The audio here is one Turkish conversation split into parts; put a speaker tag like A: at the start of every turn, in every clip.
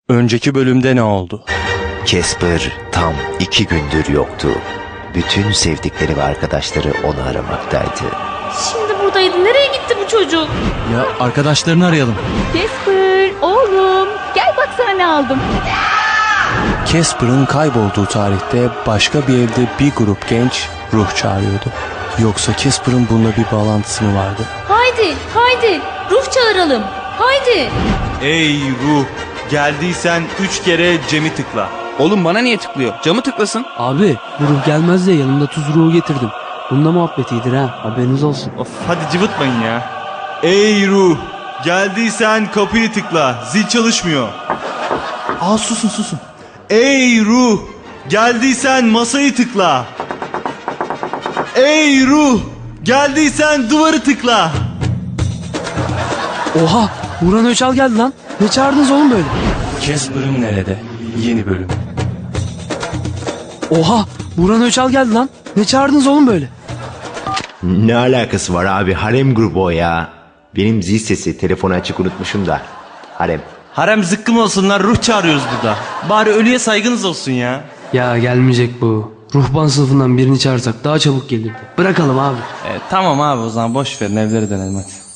A: Önceki bölümde ne oldu?
B: Casper tam 2 gündür yoktu. Bütün sevdikleri ve arkadaşları onu aramaktaydı.
C: Şimdi buradaydı. Nereye gitti bu çocuk?
A: Ya arkadaşlarını arayalım.
D: Casper, oğlum. Gel bak sana ne aldım.
A: Casper'ın kaybolduğu tarihte başka bir evde bir grup genç ruh çağırıyordu. Yoksa Casper'ın bununla bir bağlantısı mı vardı?
C: Haydi. Ruh çağıralım. Haydi.
E: Ey ruh, geldiysen 3 kere Cem'i tıkla.
F: Oğlum bana niye tıklıyor? Camı tıklasın.
G: Abi bu ruh gelmez diye yanımda tuz ruhu getirdim. Bununla muhabbet iyidir ha, haberiniz olsun.
E: Of, hadi cıvıtmayın ya. Ey ruh, geldiysen kapıyı tıkla. Zil çalışmıyor. Susun. Ey ruh, geldiysen masayı tıkla. Ey ruh, geldiysen duvarı tıkla.
G: Oha, Burhan Öçal geldi lan. Ne çağırdınız oğlum böyle?
A: Casper'ın nerede? Yeni bölüm.
G: Oha, Burhan Öçal geldi lan. Ne çağırdınız oğlum böyle?
B: Ne alakası var abi, harem grubu o ya. Benim zil sesi, telefonu açık unutmuşum da. Harem.
E: Harem zıkkım olsunlar, ruh çağırıyoruz burada. Bari ölüye saygınız olsun ya.
G: Ya gelmeyecek bu. Ruhban sınıfından birini çağırsak daha çabuk gelirdi. Bırakalım abi.
A: Tamam abi, o zaman boş verin, evlere dönelim hadi.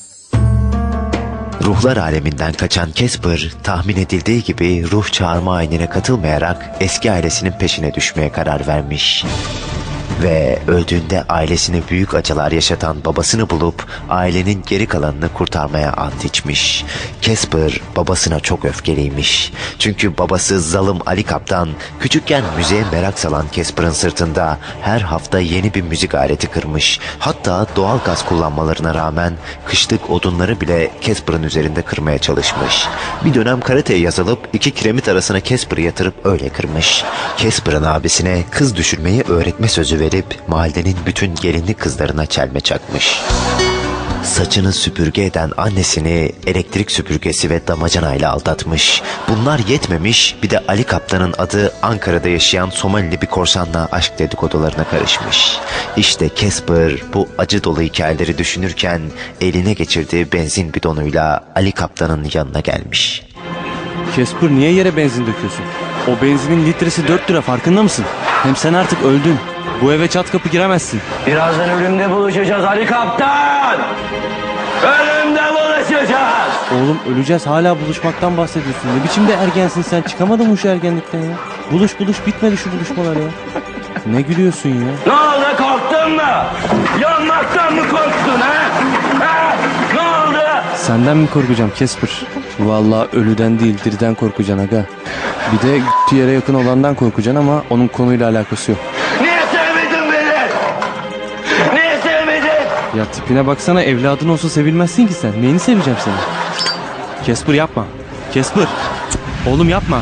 B: Ruhlar aleminden kaçan Casper, tahmin edildiği gibi ruh çağırma ayinine katılmayarak eski ailesinin peşine düşmeye karar vermiş. Ve öldüğünde ailesine büyük acılar yaşatan babasını bulup ailenin geri kalanını kurtarmaya ant içmiş. Casper babasına çok öfkeliymiş. Çünkü babası zalim Ali Kaptan küçükken müziğe merak salan Casper'ın sırtında her hafta yeni bir müzik aleti kırmış. Hatta doğal gaz kullanmalarına rağmen kışlık odunları bile Casper'ın üzerinde kırmaya çalışmış. Bir dönem karateye yazılıp 2 kiremit arasına Casper'ı yatırıp öyle kırmış. Casper'ın abisine kız düşürmeyi öğretme sözü verip mahallenin bütün gelinli kızlarına çelme çakmış. Saçını süpürge eden annesini elektrik süpürgesi ve damacanayla aldatmış. Bunlar yetmemiş, bir de Ali Kaptan'ın adı Ankara'da yaşayan Somalili bir korsanla aşk dedikodularına karışmış. İşte Casper bu acı dolu hikayeleri düşünürken eline geçirdiği benzin bidonuyla Ali Kaptan'ın yanına gelmiş.
A: Casper, niye yere benzin döküyorsun? O benzinin litresi 4 lira, farkında mısın? Hem sen artık öldün. Bu eve çat kapı giremezsin.
H: Birazdan ölümde buluşacağız Ali Kaptan. Ölümde buluşacağız.
A: Oğlum, öleceğiz, hala buluşmaktan bahsediyorsun. Ne biçim de ergensin sen, çıkamadın mı şu ergenlikten ya? Buluş bitmedi şu buluşmalar ya. Ne gülüyorsun ya?
H: Ne oldu, korktun mu? Yanmaktan mı korktun ha? Ne oldu?
A: Senden mi korkacağım Casper? Vallahi ölüden değil, diriden korkacaksın aga. Bir de yere yakın olandan korkacaksın ama onun konuyla alakası yok.
H: Niye sevmedin beni? Niye sevmedin?
A: Ya tipine baksana, evladın olsa sevilmezsin ki sen. Neyini seveceğim seni? Casper yapma. Casper. Oğlum yapma.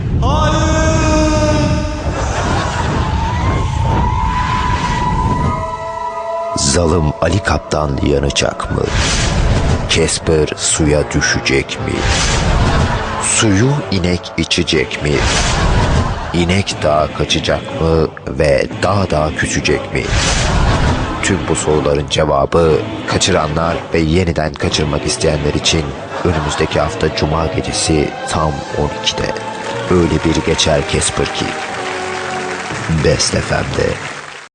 B: Zalim Ali Kaptan yanacak mı? Casper suya düşecek mi? Suyu inek içecek mi? İnek dağa kaçacak mı ve dağ küsecek mi? Tüm bu soruların cevabı kaçıranlar ve yeniden kaçırmak isteyenler için önümüzdeki hafta Cuma gecesi tam 12'de. Öyle bir geçer Casper ki. Best FM'de.